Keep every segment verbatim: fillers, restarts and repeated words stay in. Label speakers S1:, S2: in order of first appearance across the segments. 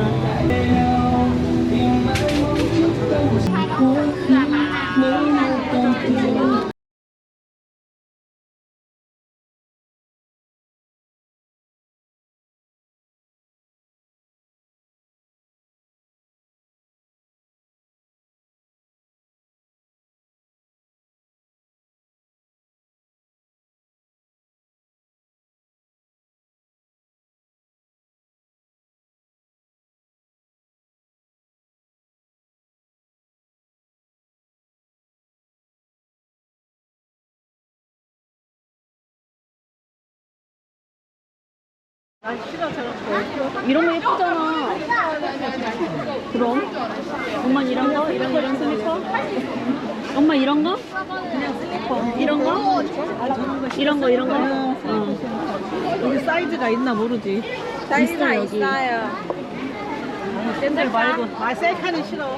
S1: 이런 거 예쁘잖아. 그럼 엄마 이런 거? 이런 이런 슬리퍼? 엄마 이런 거? 이런 거? 이런 거 이런 거? 어.
S2: 여기 사이즈가 있나 모르지.
S1: 사이즈가 있어,
S3: 있어요.
S2: 샌들 말고. 아, 셀카는 싫어.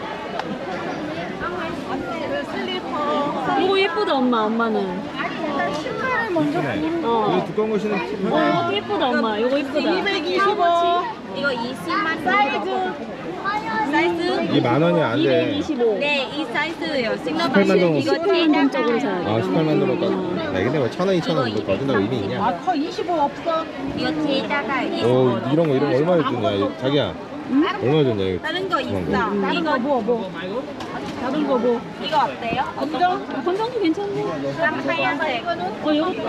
S2: 그 슬리퍼.
S1: 이거 예쁘다 엄마. 엄마는.
S2: 신발을 먼저 고르는
S1: 어.
S4: 이거 두꺼운 거 신으면
S1: 어 이것도 예쁘다 엄마. 이거 예쁘다.
S2: 이백이십오.
S3: 이거 이십만
S2: 사이즈.
S3: 사이즈?
S4: 이게 만 원이 안 돼.
S1: 이백이십오.
S3: 네, 이 사이즈예요.
S4: 십팔만 동.
S3: 이거
S1: 십팔만 동적으로 사야 돼.
S4: 아, 십팔만 원으로 까. 야, 근데 왜 천 원, 이천 원 이거 거둔다고 의미 있냐?
S2: 아, 커 이십오 없어.
S3: 이거 뒤에다가
S4: 어, 이런 거 이런 거 얼마나 줬냐? 이거 자기야. 얼마 줬냐 이거?
S3: 다른 거 있어.
S4: 그런
S3: 이거
S2: 뭐, 뭐. 다른 거 뭐.
S3: 이거 어때요?
S2: 검정?
S1: 건강도 괜찮네.
S3: 하얀색.
S1: 어 이것도.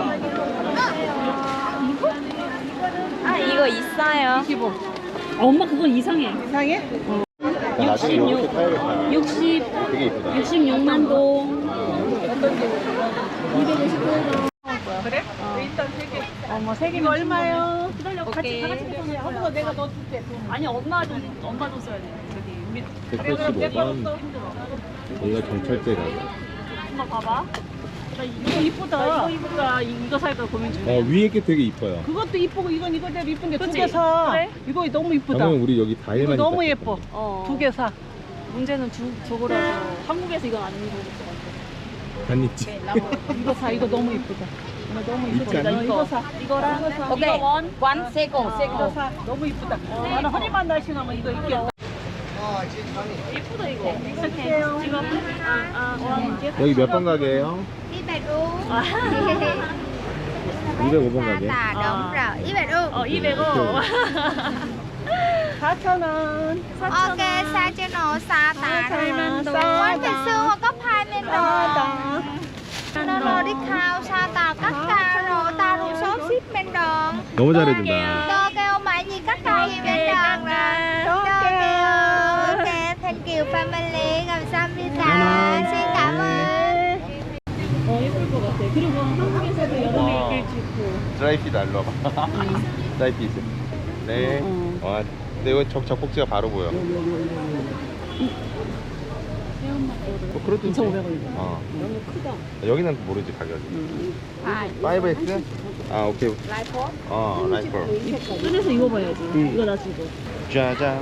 S3: 아, 이거 있어요.
S2: 이십오.
S1: 아, 엄마 그건 이상해.
S2: 이상해?
S4: 나 나중에 이렇게 타야겠다.
S1: 육십.
S4: 되게 이쁘다.
S1: 육십육만 동.
S2: 그래? 일단 세 개.
S1: 어머 세
S2: 이거 얼마요?
S1: 기다려. 같이
S3: 오케이.
S1: 다 같이 해보세요.
S2: 그거 내가 넣어줄게.
S1: 아니 엄마 돈 엄마 돈 써야 돼. 저기 우리
S4: 백팔십오 원. 여기가 경찰대 가자.
S1: 엄마 봐봐. 나 이거 이쁘다. 이거 이쁘다. 이거 살까 고민 중이야.
S4: 어, 위에 게 되게 이뻐요.
S2: 그것도 이쁘고 이건 이거대로 이쁜데 두
S1: 그치?
S2: 개 사.
S1: 그래?
S2: 이거 너무 이쁘다.
S4: 방금 우리 여기
S2: 이거
S4: 다일만
S2: 너무
S4: 있다.
S2: 예뻐.
S1: 어.
S2: 두 개 사.
S1: 문제는 주, 저거라서 한국에서 이건 안 입을 것 같아.
S4: 안 입지.
S2: 이거 사. 이거 너무 이쁘다. 이거 너무 이쁘다.
S4: 있잖아.
S2: 너 이거 사.
S1: 이거랑
S3: 오케이.
S1: 이거 원.
S3: 원 세고
S2: 이거
S3: 세고.
S2: 사. 너무 이쁘다. 나는 허리만 날씬하면 이거 입겠다.
S1: 예쁘다 이거. 이렇게 지금 아아 원.
S4: 여기 몇 번 가게예요?
S1: 아.
S4: 이백오 번 가게.
S3: 다 đúng rồi. 이백오.
S1: 어 이백오.
S2: 사천 원.
S3: Ok, sao cho nó xa tà rồi.
S2: 팔만 동.
S3: Quán ngày xưa có hai nên rồi.
S2: 싸다.
S3: Nó rồi đi khao xa tà cắt ca rồi ta rồi số ship bên đường.
S4: 너무 잘해준다.
S3: Tôi kêu mãi gì cắt ca gì bên đường rồi. Tôi kêu ok, thank you family. 감사합니다. Xin cảm ơn.
S1: 어 예쁠 것 같아. 그리고 한국에서도 여름에 입을 수 있고.
S4: 드라이피드 알로 와봐. 드라이피드. 네.
S1: 어.
S4: 와, 근데 이거 적, 적복지가 바로 보여. 어, 그래도
S1: 이천오백 원이다.
S4: 어.
S1: 너무 크다.
S4: 여기는 모르지 가격이. 파이브 엑스? 아, 오케이.
S3: 라이프?
S4: 어, 라이프.
S1: 꺼내서 입어봐야지.
S4: 음.
S1: 이거 나 지고.
S4: 짜잔.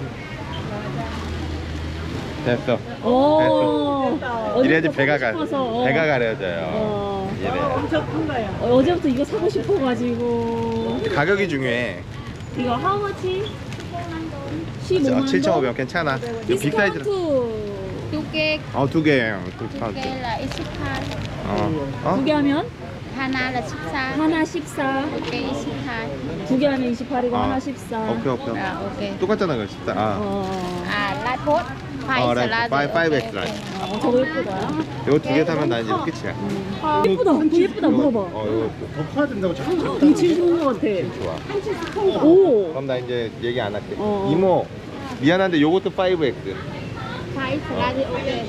S4: 됐어.
S1: 오.
S4: 이래야지 배가 가.
S1: 싶어서.
S4: 배가 가려져요.
S1: 어.
S4: 이래.
S2: 엄청 큰 거야.
S1: 어, 어제부터 이거 사고 싶어가지고.
S4: 가격이 중요해.
S1: 이거 how much? 십오만 원.
S4: 칠천오백 원 괜찮아. 이거 빅 사이즈.
S1: 디스카운트.
S3: 두 개,
S4: 어, 두 개. 두
S3: 두
S4: 카운트.
S3: 개 là 이십팔.
S4: 어. 어?
S1: 두 개 하면
S3: 하나 là 십사.
S1: 하나 십사.
S3: 오케이, 이십팔.
S1: 두 개 하면 이십팔이고
S4: 아.
S1: 하나 십사.
S4: 오케이, 오케이.
S3: 아, 오케이.
S4: 똑같잖아, 그거 진짜. 아.
S1: 어.
S3: 아, 라이프?
S4: 어, 라이프. 파이- 파이브 엑스 라이프.
S1: 어, 저거 예쁘다.
S4: 이거 두 개 사면 나 이제 끝이야.
S1: 아, 예쁘다. 그거 예쁘다. 물어봐.
S4: 어, 이거 더 커야 된다고 자꾸
S1: 이거 제일 좋은 것 같아.
S4: 좋아.
S1: 오.
S4: 그럼 나 이제 얘기 안 할게.
S1: 어.
S4: 이모, 미안한데 요것도 파이브 엑스.
S3: Phải là 오케이.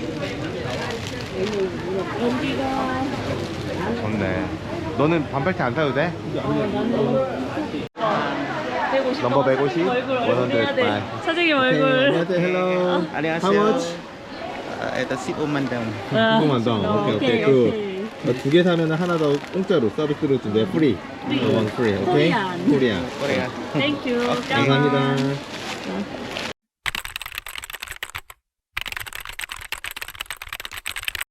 S1: 여기가
S4: 좋네. 너는 반팔티 안 사도 돼?
S1: 백오십.
S4: 넘버 백오십?
S1: 얼굴 얼굴 해야 돼.
S4: 원
S1: 사장님 얼굴.
S4: 안녕하세요. 헬로.
S5: 안녕하세요.
S4: How much?
S5: 아, 일단 십오만 동.
S1: 아,
S4: 조금만 더. 오케이, 오케이. 그, 두 개 사면 하나 더 공짜로 서비스로 준대. 프리.
S1: 프리.
S4: 원 프리. 오케이?
S1: 코리안.
S4: 코리안.
S5: 코리아.
S1: 땡큐.
S4: 감사합니다.